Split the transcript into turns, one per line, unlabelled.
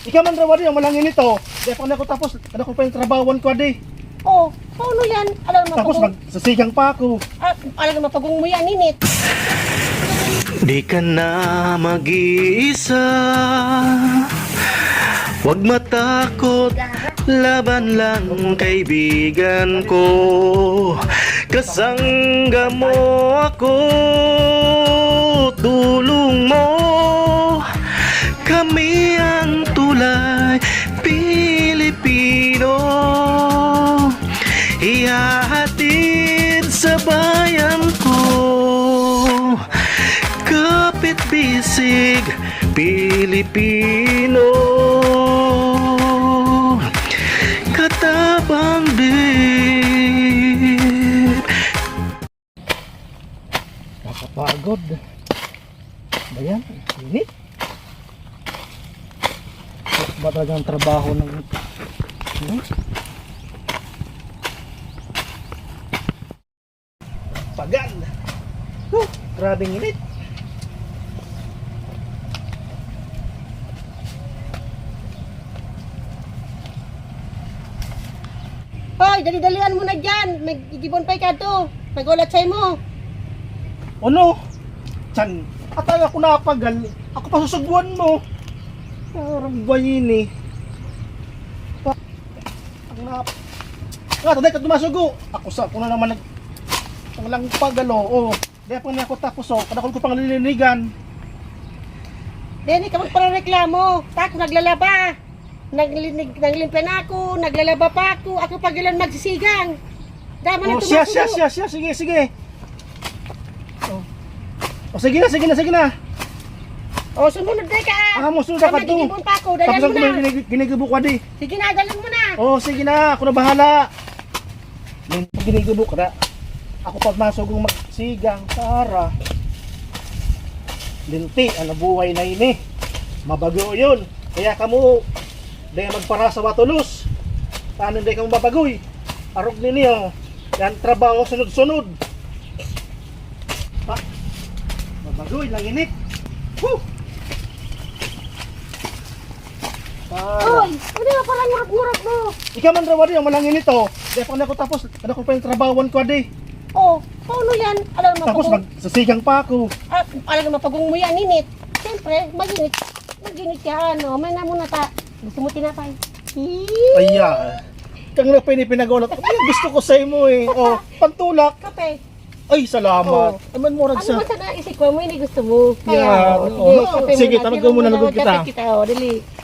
Ikaw man raw di ang malangin nito. Di pa na ko tapos, ano ko pa yung trabawan ko di.
Oh, paano yan? Alam mo
Tapos magsasigang pa ako.
alam mo pagong mo yan, init.
Di ka na mag-iisa, huwag matakot, laban lang kaibigan ko. Kasangga mo ako, tulong mo, kami ang tulay Pilipino. Ihahatid sa bayan ko, kapit bisig Pilipino, katabang din.
Nakapagod. Bayan, init. Ba talaga ang trabaho ng pagan. Grabing init.
Hoy, dali-dalian mo na dyan. Magigibon pa ka to. Magulat sa'yo mo.
Ano? Chan, atay ako napagal. Ako pa susugbuan mo. Parang bayin eh. Ang nap... Nga, taday ka dumasugo. Ako na naman ang lang pagalo. Oh, dahil pa niya ako tapos oh. Kadakol ko pang nilinigan.
Deni ka magpareklamo. Tako naglalaba. Naglimpya na ako. Naglalaba pa ako. Ako pag ilan magsisigang. Dama na
Oh,
tumasugo.
siya. Sige. Oh, sige na.
Oh, sumunod na ka.
Mo sunod ka to.
Magigibon pa ako. Dalan
Tapos
mo
ako
na.
ginigibo ko di.
Sige na, dalan mo na.
Oh, sige na. Ako na bahala. Ginigibo ka na. Ako pa masugong magsigang. Tara. Linti, ang nabuhay na ini. Mabago yun. Kaya kamo, dahil magpara sa watulos. Paano dahil kamo mabagoy? Arog ninyo. Yan trabaho sunod-sunod. Pa, mabagoy, lang init. Woo!
Hoy, hindi mo parang ngurap-ngurap mo.
Ikaw man raw di ang malangin nito. Dahil pa na ko tapos, ano ko pa yung trabawan ko di.
Oh, paano yan? Alam mo
Tapos magsasigang pa ako.
alam mo pagong mo yan, init. Siyempre, mag-init ka, ano. May na muna ta. Gusto mo tinapay?
Aya. Kang na pinagulot. Ay, gusto ko sa mo eh. Oh, pantulak.
Kape.
Ay, salamat.
Oh.
Aman mo rag
Ano
sa.
ba sa naisip ko? Mo hindi gusto mo.
Yeah.
Sige,
Oh,
kape
sige,
muna.
talagang muna
Pero
lugod kita.
Kape kita, oh, dali.